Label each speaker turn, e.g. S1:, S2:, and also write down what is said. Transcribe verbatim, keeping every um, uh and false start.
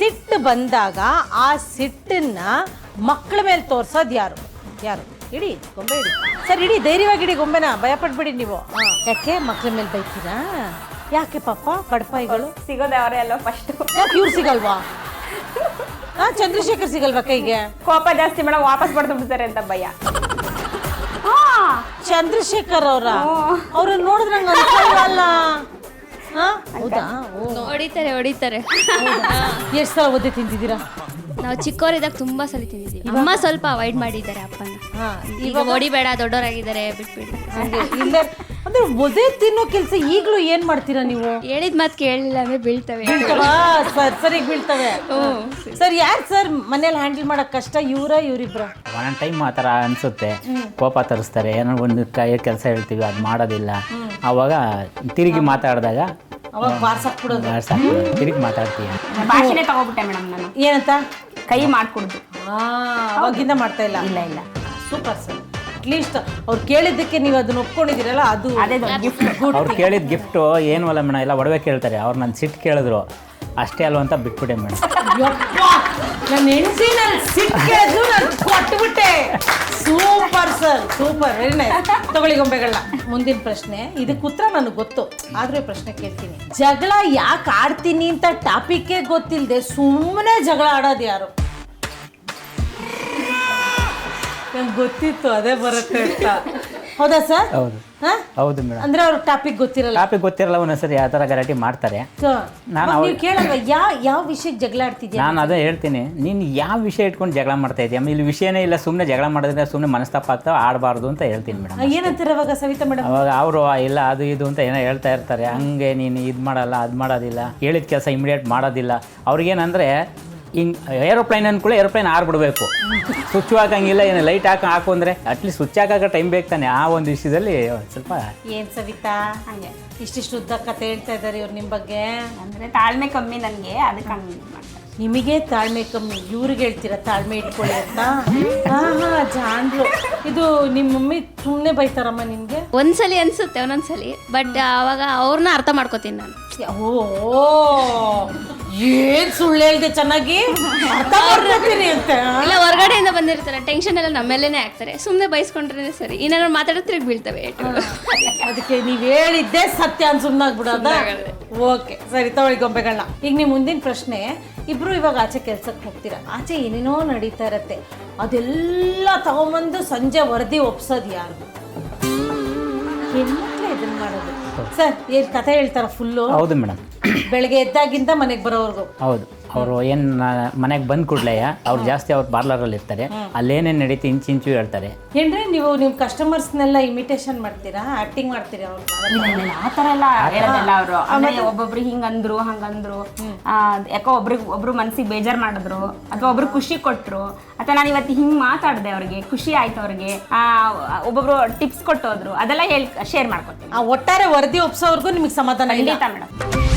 S1: ಸಿಟ್ಟು ಬಂದಾಗ ಆ ಸಿಟ್ಟನ್ನ ಮಕ್ಕಳ ಮೇಲೆ ತೋರ್ಸೋದು ಯಾರು ಯಾರು ಇಡಿ ಗೊಂಬೆ ಇಡಿ ಸರ್ ಇಡಿ ಧೈರ್ಯವಾಗಿ ಇಡಿ ಗೊಂಬೆನ ಭಯಪಟ್ಬಿಡಿ ನೀವು ಯಾಕೆ ಮಕ್ಕಳ ಮೇಲೆ ಬೈತೀರಾ ಯಾಕೆ ಪಾಪ ಕಡಪಾಯಿಗಳು
S2: ಸಿಗೋದೆ ಅವರೇ ಅಲ್ವಾ ಫಸ್ಟ್.
S1: ಯಾಕೆ ಇವ್ರು ಸಿಗಲ್ವಾ ಹಾ ಚಂದ್ರಶೇಖರ್ ಸಿಗಲ್ವಾ ಕೈಗೆ
S2: ಕೋಪ ಜಾಸ್ತಿ ಮೇಡಮ್ ವಾಪಸ್ ಬಡ್ದು ಬಿಡ್ತಾರೆ ಅಂತ ಭಯ.
S1: ಚಂದ್ರಶೇಖರ್ ಅವರ ಅವ್ರನ್ನ ನೋಡಿದ್ರೆ ನಂಗೆ ಅನ್ಸಲ್ವಲ್ಲ ಹಾ ಹೌದಾ
S3: ಹೊಡಿತಾರೆ ಹೊಡಿತಾರೆ
S1: ಎಷ್ಟು ಸಲ ಒದ್ದೆ ತಿಂತಿದ್ದೀರಾ
S3: ನಾವು ಚಿಕ್ಕವರಿದ್ದಾಗ ತುಂಬಾ ಸಲ ತಿಂದಿದ್ದೀವಿ. ಅಮ್ಮ ಸ್ವಲ್ಪ ಅವಾಯ್ಡ್ ಮಾಡಿದ್ದಾರೆ ಅಪ್ಪನ.
S1: ಹಾ
S3: ಈಗ ಹೊಡಿಬೇಡ ದೊಡ್ಡವರಾಗಿದ್ದಾರೆ ಬಿಟ್ಬಿಡಿ.
S1: ಹಂಗೆ ಇಲ್ಲ ಅಂದ್ರೆ ಒದೆ ತಿನ್ನೋ ಕೆಲಸ ಈಗಲೂ ಏನ್ ಮಾಡ್ತೀರಾ ನೀವು
S3: ಹೇಳಿದ ಮಾತು ಕೇಳಲಿಲ್ಲ ಅಂದ್ರೆ ಬೀಳ್ತವೆ.
S1: ಬೀಳ್ತವಾ ಸರ್ ಸರಿಗೆ ಬೀಳ್ತವೆ ಸರ್ ಯಾರು ಸರ್ ಮನೇಲಿ ಹ್ಯಾಂಡಲ್ ಮಾಡಕ್ ಕಷ್ಟ ಇವ್ರ ಇವ್ರಿಬ್ರ
S4: ಒಂದೊಂದು ಟೈಮ್ ಆ ಥರ ಅನಿಸುತ್ತೆ ಕೋಪ ತರಿಸ್ತಾರೆ ಏನೋ ಒಂದು ಕೈ ಕೆಲಸ ಹೇಳ್ತೀವಿ ಅದು ಮಾಡೋದಿಲ್ಲ ಆವಾಗ ತಿರುಗಿ ಮಾತಾಡಿದಾಗ
S1: ಅವಾಗ ಬಾರ್ಸಕ್ ಬಿಡೋದು
S4: ತಿರುಗಿ ಮಾತಾಡ್ತೀವಿ
S2: ಭಾಷೆನೇ ತಗೋಬಿಟ್ಟೆ ಮೇಡಮ್ ನಾನು.
S1: ಏನಂತ
S2: ಕೈ ಮಾಡ್ಕೊಡ್ದು.
S1: ಆ, ಅವಾಗಿಂದ ಮಾಡ್ತಾ ಇಲ್ಲ
S2: ಇಲ್ಲ ಇಲ್ಲ
S1: ಸೂಪರ್ ಸರ್ ಅಟ್ಲೀಸ್ಟ್ ಅವ್ರು ಕೇಳಿದ್ದಕ್ಕೆ ನೀವು ಅದನ್ನ ಒಪ್ಕೊಂಡಿದ್ದೀರಲ್ಲ ಅದು
S2: ಅದೇ ದೊಡ್ಡ ಗಿಫ್ಟ್.
S4: ಅವ್ರು ಕೇಳಿದ ಗಿಫ್ಟು ಏನು ಅಲ್ಲ ಮೇಡಮ್ ಎಲ್ಲ ಒಡವೆ ಕೇಳ್ತಾರೆ ಅವ್ರು ನನ್ನ ಸಿಟ್ಟು ಕೇಳಿದ್ರು ಅಷ್ಟೇ ಅಲ್ವ ಅಂತ ಬಿಟ್ಬಿಟ್ಟೆ ಮೇಡಮ್.
S1: ನನ್ನ ಹೆಂಡತಿ ನಾನು ಸಿಕ್ಕಿದ್ರು ನಾನು ಕೊಟ್ಬಿಟ್ಟೆ super sir super very nice ತಗೊಳ್ಳಿ ಗೊಂಬೆಗಳನ್ನ. ಮುಂದಿನ ಪ್ರಶ್ನೆ ಇದಕ್ಕೆ ಉತ್ತರ ನನಗೆ ಗೊತ್ತು ಆದ್ರೂ ಈ ಪ್ರಶ್ನೆ ಕೇಳ್ತೀನಿ. ಜಗಳ ಯಾಕೆ ಆಡ್ತೀನಿ ಅಂತ ಟಾಪಿಕ್ಕೇ ಗೊತ್ತಿಲ್ಲದೆ ಸುಮ್ಮನೆ ಜಗಳ ಆಡೋದು ಯಾರು? ನಂಗೆ ಗೊತ್ತಿತ್ತು ಅದೇ ಬರುತ್ತೆ ಅಂತ. ಹೌದಾ ಸರ್?
S4: ಹೌದು
S1: ಹಾ
S4: ಹೌದು ಮೇಡಮ್.
S1: ಅಂದ್ರೆ ಅವ್ರ ಟಾಪಿಕ್ ಗೊತ್ತಿರಲ್ಲ
S4: ಟಾಪಿಕ್ ಗೊತ್ತಿರಲ್ಲ ಒಂದೊಂದ್ಸರಿ ಯಾವ ಥರ ಗಲಾಟೆ ಮಾಡ್ತಾರೆ. ನಾನು
S1: ನೀವು ಕೇಳಲ್ವ ಯಾವ ಯಾವ ವಿಷಯಕ್ಕೆ ಜಗಳ ಆಡ್ತಿದ್ಯಾ?
S4: ನಾನು ಅದೇ ಹೇಳ್ತೀನಿ ನೀನು ಯಾವ ವಿಷಯ ಇಟ್ಕೊಂಡು ಜಗಳ ಮಾಡ್ತಾ ಇದೆಯಾ ಇಲ್ಲಿ ವಿಷಯನೇ ಇಲ್ಲ ಸುಮ್ಮನೆ ಜಗಳ ಮಾಡಿದ್ರೆ ಸುಮ್ಮನೆ ಮನಸ್ತಾಪ ಆಗ್ತಾವೆ ಆಡಬಾರ್ದು ಅಂತ ಹೇಳ್ತೀನಿ ಮೇಡಮ್.
S1: ಏನಂತಾರೆ ಅವಾಗ ಸವಿತಾ ಮೇಡಮ್?
S4: ಅವಾಗ ಅವರು ಇಲ್ಲ ಅದು ಇದು ಅಂತ ಏನೋ ಹೇಳ್ತಾ ಇರ್ತಾರೆ ಹಂಗೆ ನೀನು ಇದು ಮಾಡಲ್ಲ ಅದು ಮಾಡೋದಿಲ್ಲ ಹೇಳಿದ ಕೆಲಸ ಇಮಿಡಿಯೇಟ್ ಮಾಡೋದಿಲ್ಲ ಅವ್ರಿಗೇನಂದರೆ ಹಿಂಗೆ ಏರೋಪ್ಲೈನ್ ಅಂದ್ಕೂಳೆ ಏರೋಪ್ಲೈನ್ ಆರ್ಬಿಡ್ಬೇಕು ಸ್ವಿಚ್ ಹಾಕಂಗಿಲ್ಲ ಏನು ಲೈಟ್ ಹಾಕಿ ಹಾಕು ಅಂದರೆ ಅಟ್ಲೀಸ್ಟ್ ಸ್ವಿಚ್ ಹಾಕೋ ಟೈಮ್ ಬೇಕು ತಾನೆ ಆ ಒಂದು ವಿಷಯದಲ್ಲಿ ಸ್ವಲ್ಪ
S1: ಏನ್ ಸವಿತಾ
S2: ಹಂಗೆ
S1: ಇಷ್ಟಿಷ್ಟು ಉದ್ದ ಕತೆ ಹೇಳ್ತಾ ಇದ್ದಾರೆ ಇವ್ರು ನಿಮ್ಮ ಬಗ್ಗೆ.
S2: ಅಂದ್ರೆ ತಾಳ್ಮೆ ಕಮ್ಮಿ ನನಗೆ ಅದಕ್ಕೆ ಹಂಗೆ ಮಾಡ್ತಾರೆ.
S1: ನಿಮಗೆ ತಾಳ್ಮೆ ಕಮ್ಮಿ ಇವ್ರಿಗೆ ಹೇಳ್ತೀರಾ ತಾಳ್ಮೆ ಇಟ್ಕೊಳ್ಳಿ ಅಂತ? ಹಾ ಹಾ ಜಾನ್ರು ಇದು ನಿಮ್ಮ ಮಮ್ಮಿ ಸುಮ್ಮನೆ ಬೈತಾರಮ್ಮ ನಿನ್ಗೆ?
S3: ಒಂದ್ಸಲಿ ಅನ್ಸುತ್ತೆ ಒಂದೊಂದ್ಸಲಿ ಬಟ್ ಅವಾಗ ಅವ್ರನ್ನ ಅರ್ಥ ಮಾಡ್ಕೋತೀನಿ ನಾನು.
S1: ಓ ಏನ್ ಸುಳ್ಳು ಹೇಳ್ದೆ ಚೆನ್ನಾಗಿ ಅರ್ಥ ಮಾಡ್ಕೊತೀನಿ ಅಂತ.
S3: ಇಲ್ಲ ಹೊರಗಡೆಯಿಂದ ಬಂದಿರ್ತಾರೆ ಟೆನ್ಷನ್ ಎಲ್ಲ ನಮ್ಮೇಲೇನೆ ಆಗ್ತಾರೆ ಸುಮ್ಮನೆ ಬೈಸ್ಕೊಂಡ್ರೆ ಸರಿ ಏನಾದ್ರು ಮಾತಾಡೋ ತಿರುಗಿ ಬೀಳ್ತವೆ.
S1: ಅದಕ್ಕೆ ನೀವ್ ಹೇಳಿದ್ದೆ ಸತ್ಯ ಅಂತ ಸುಮ್ಮನಾಗ್ಬಿಡೋದ? ಓಕೆ ಸರಿ ತಗೊಳ್ಳಿ ಗೊಂಬೆಗಳನ್ನ. ಈಗ ನೀವು ಮುಂದಿನ ಪ್ರಶ್ನೆ ಇಬ್ರು ಇವಾಗ ಆಚೆ ಕೆಲ್ಸಕ್ಕೆ ಹೋಗ್ತೀರಾ ಆಚೆ ಏನೇನೋ ನಡೀತಾ ಇರತ್ತೆ ಅದೆಲ್ಲ ತಗೊಂಬಂದು ಸಂಜೆ ವರದಿ ಒಪ್ಸೋದು ಯಾರು? ಹೆಣ್ಮಕ್ಳೆ ಇದನ್ನ ಮಾಡೋದು. ಸರ್ ಏನ್ ಕಥೆ ಹೇಳ್ತಾರ ಫುಲ್ಲು?
S4: ಹೌದು ಮೇಡಮ್.
S1: ಬೆಳಗ್ಗೆ ಎದ್ದಾಗಿಂದ ಮನೆಗೆ ಬರೋವರೆಗೂ?
S4: ಹೌದು ಅವರು ಏನು ಮನೆಗೆ ಬಂದ ಕೂಡಲೇ ಅವ್ರು ಜಾಸ್ತಿ ಅವ್ರು ಪಾರ್ಲರಲ್ಲಿ ಇರ್ತಾರೆ ಅಲ್ಲೇನೇನು ನಡೀತಿ ಇಂಚು ಇಂಚು ಹೇಳ್ತಾರೆ.
S1: ಏನ್ರಿ ನೀವು ನಿಮ್ಮ ಕಸ್ಟಮರ್ಸ್ನೆಲ್ಲ ಇಮಿಟೇಷನ್ ಮಾಡ್ತೀರಾ ಆಕ್ಟಿಂಗ್ ಮಾಡ್ತೀರಾ? ಅವ್ರು
S2: ಆ ಥರ ಎಲ್ಲ ಹೇಳೋದಿಲ್ಲ ಅವರು. ಆಮೇಲೆ ಒಬ್ಬೊಬ್ರು ಹಿಂಗಂದ್ರು ಹಂಗಂದ್ರು ಯಾಕೋ ಒಬ್ರಿಗೆ ಒಬ್ರು ಮನ್ಸಿಗೆ ಬೇಜಾರು ಮಾಡಿದ್ರು ಅಥವಾ ಒಬ್ರು ಖುಷಿ ಕೊಟ್ಟರು ಅಥವಾ ನಾನು ಇವತ್ತು ಹಿಂಗೆ ಮಾತಾಡಿದೆ ಅವ್ರಿಗೆ ಖುಷಿ ಆಯ್ತು ಅವ್ರಿಗೆ ಒಬ್ಬೊಬ್ರು ಟಿಪ್ಸ್ ಕೊಟ್ಟೋದ್ರು ಅದೆಲ್ಲ ಹೇಳಿ ಶೇರ್ ಮಾಡ್ಕೊತೀನಿ.
S1: ಆ ಒಟ್ಟಾರೆ ವರದಿ ಒಪ್ಸೋವರೆಗೂ ನಿಮಗೆ ಸಮಾಧಾನ ಇಲ್ಲ?
S2: ಖಂಡಿತ ಮೇಡಮ್.